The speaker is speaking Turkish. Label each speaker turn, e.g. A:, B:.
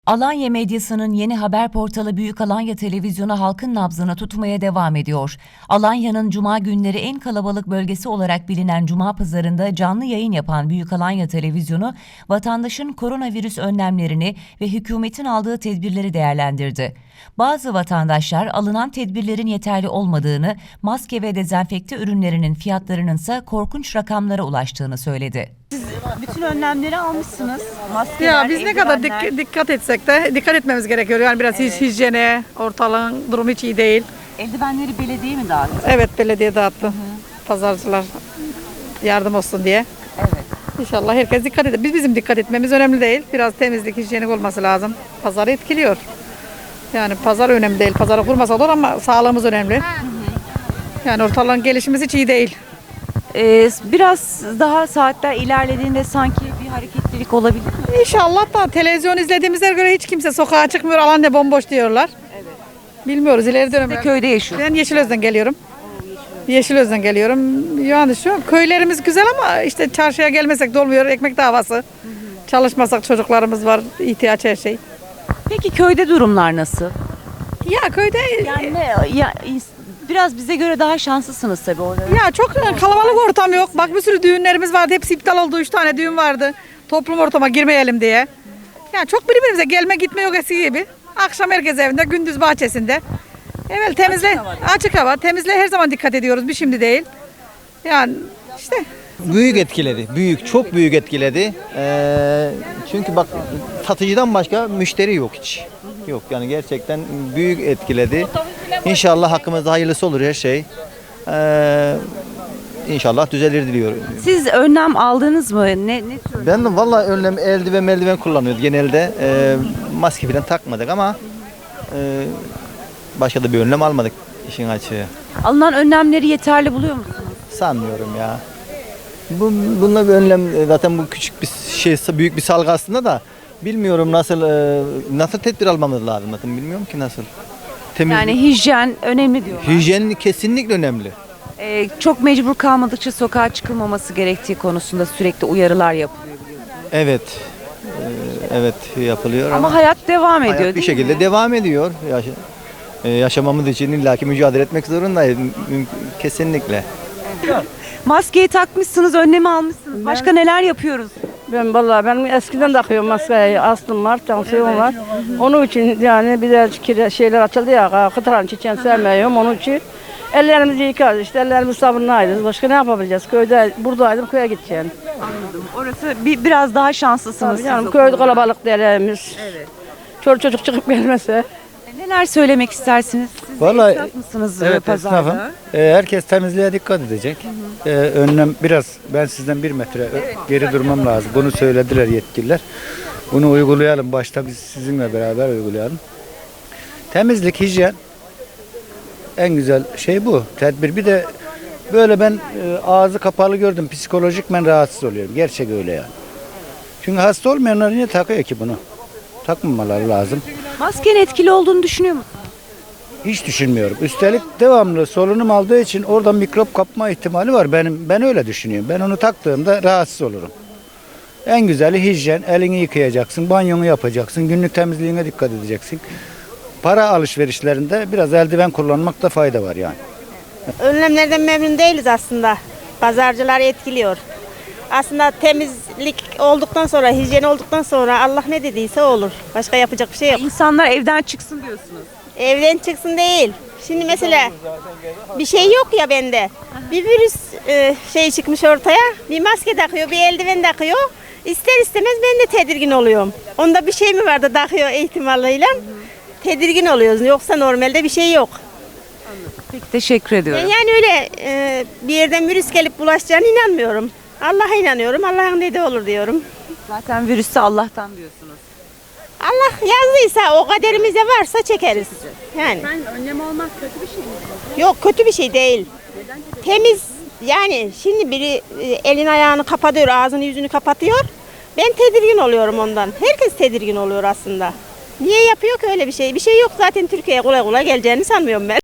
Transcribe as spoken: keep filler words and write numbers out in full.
A: Alanya medyasının yeni haber portalı Büyük Alanya Televizyonu halkın nabzını tutmaya devam ediyor. Alanya'nın cuma günleri en kalabalık bölgesi olarak bilinen Cuma Pazarı'nda canlı yayın yapan Büyük Alanya Televizyonu, vatandaşın koronavirüs önlemlerini ve hükümetin aldığı tedbirleri değerlendirdi. Bazı vatandaşlar alınan tedbirlerin yeterli olmadığını, maske ve dezenfekte ürünlerinin fiyatlarının ise korkunç rakamlara ulaştığını söyledi.
B: Bütün önlemleri almışsınız. Maskeler,
C: Ya biz ne kadar
B: eldivenler.
C: dik- dikkat etsek de dikkat etmemiz gerekiyor. Yani biraz
B: Evet.
C: hijyene, ortalığın durumu hiç iyi değil.
B: Eldivenleri belediye mi dağıttı?
C: Evet, belediye dağıttı. Pazarcılar yardım olsun diye.
B: Evet.
C: İnşallah herkes dikkat eder. Biz bizim dikkat etmemiz önemli değil. Biraz temizlik, hijyenik olması lazım. Pazarı etkiliyor. Yani pazar önemli değil. Pazarı kurmasa olur ama sağlığımız önemli. Yani ortalığın gelişimiz hiç iyi değil.
B: Ee, biraz daha saatler ilerlediğinde sanki bir hareketlilik olabilir mi?
C: İnşallah da televizyon izlediğimize göre hiç kimse sokağa çıkmıyor. Alanya bomboş diyorlar. Bilmiyoruz ileri
B: Siz de
C: dönem.
B: köyde yaşıyorsunuz.
C: Ben Yeşilöz'den geliyorum. Yeşilöz'den geliyorum. Yani şu an köylerimiz güzel ama işte çarşıya gelmesek de olmuyor. Ekmek davası. Çalışmasak çocuklarımız var. İhtiyaç her şey.
B: Peki köyde durumlar nasıl?
C: Ya köyde
B: Yani ne, ya, biraz bize göre daha şanslısınız tabii orada.
C: ya çok kalabalık ortam yok. Bak bir sürü düğünlerimiz vardı. Hepsi iptal oldu. Üç tane düğün vardı. Toplum ortama girmeyelim diye. Yani çok birbirimize gelme gitme yok eski gibi. Akşam herkes evinde, gündüz bahçesinde. Evet temizle
B: Açık hava.
C: açık hava. Temizle her zaman dikkat ediyoruz. Bir şimdi değil. Yani işte
D: Büyük etkiledi. Büyük, çok büyük etkiledi. Ee, çünkü bak satıcıdan başka müşteri yok hiç. Yok yani gerçekten büyük etkiledi. İnşallah hakkımızda hayırlısı olur her şey. Ee, İnşallah düzelir diliyorum.
B: Siz önlem aldınız mı? Ne, ne tür?
D: Ben de vallahi önlem eldiven meldiven kullanıyoruz genelde. Ee, maske falan takmadık ama e, başka da bir önlem almadık işin açığı.
B: Alınan önlemleri yeterli buluyor musunuz?
D: Sanmıyorum ya. Bu, bununla bir önlem zaten bu küçük bir şey büyük bir salgı aslında da bilmiyorum nasıl e, nasıl tedbir almamız lazım zaten bilmiyorum ki nasıl. Temiz,
B: Yani hijyen önemli diyorlar.
D: hijyen kesinlikle önemli.
B: Ee, çok mecbur kalmadıkça sokağa çıkılmaması gerektiği konusunda sürekli uyarılar yapılıyor.
D: Evet. e, evet yapılıyor ama,
B: Ama hayat devam ediyor
D: hayat bir
B: değil
D: şekilde
B: mi?
D: devam ediyor. Yaş- e, yaşamamız için illaki mücadele etmek zorundayız. Müm- Kesinlikle.
B: Maskeyi takmışsınız, önlemi almışsınız. Başka neler yapıyoruz?
E: Ben vallahi ben eskiden takıyorum maskeyi. Astım var, tansiyon var. Onun için yani bir de kire- şeyler açıldı ya, kıtıran çiçeğini sevmiyorum. Onun için ellerimizi yıkarız işte, ellerimizi sabunlayırız. Başka ne yapabileceğiz? Köyde, buradaydım, köye gideceğim.
B: Orası bir, biraz daha şanslısınız. siz
E: Yani
B: o
E: köyde
B: konuda.
E: kalabalık derlerimiz. Evet. Çocuk çocuk çıkıp gelmese.
B: Neler söylemek istersiniz? Siz de
F: Vallahi,
B: esnaf mısınız e,
F: Evet
B: pazarda?
F: esnafım. Ee, herkes temizliğe dikkat edecek. Ee, önlem biraz ben sizden bir metre ö- geri durmam lazım. Bunu söylediler yetkililer. Bunu uygulayalım. Başta biz sizinle beraber uygulayalım. Temizlik, hijyen en güzel şey bu. Tedbir. Bir de böyle ben e, ağzı kapalı gördüm. Psikolojik ben rahatsız oluyorum. Gerçek öyle yani. Çünkü hasta olmayanlar niye takıyor ki bunu? Takmamaları lazım.
B: Maskenin etkili olduğunu düşünüyor musunuz?
F: Hiç düşünmüyorum. Üstelik devamlı solunum aldığı için oradan mikrop kapma ihtimali var. Benim ben öyle düşünüyorum. Ben onu taktığımda rahatsız olurum. En güzeli hijyen. Elini yıkayacaksın, banyonu yapacaksın, günlük temizliğine dikkat edeceksin. Para alışverişlerinde biraz eldiven kullanmakta fayda var yani.
G: Önlemlerden memnun değiliz aslında. Pazarcılar etkiliyor. Aslında temizlik olduktan sonra, hijyen olduktan sonra Allah ne dediyse olur. Başka yapacak bir şey yok.
B: İnsanlar evden çıksın diyorsunuz.
G: Evden çıksın değil. Şimdi mesela bir şey yok ya bende. Bir virüs e, şey çıkmış ortaya. Bir maske takıyor, bir eldiven takıyor. İster istemez ben de tedirgin oluyorum. Onda bir şey mi var da takıyor ihtimaliyle? Tedirgin oluyoruz. Yoksa normalde bir şey yok.
B: Peki teşekkür ediyorum.
G: Yani öyle e, bir yerden virüs gelip bulaşacağına inanmıyorum. Allah'a inanıyorum. Allah'ın dediği olur diyorum.
B: Zaten virüs de Allah'tan diyorsunuz.
G: Allah yazdıysa o kaderimizde varsa çekeriz. Yani.
B: Önlem almak kötü bir şey mi?
G: Yok kötü bir şey değil. Temiz yani şimdi biri e, elin ayağını kapatıyor, ağzını yüzünü kapatıyor. Ben tedirgin oluyorum ondan. Herkes tedirgin oluyor aslında. Niye yapıyor ki öyle bir şey? Bir şey yok zaten Türkiye'ye kolay kolay geleceğini sanmıyorum ben.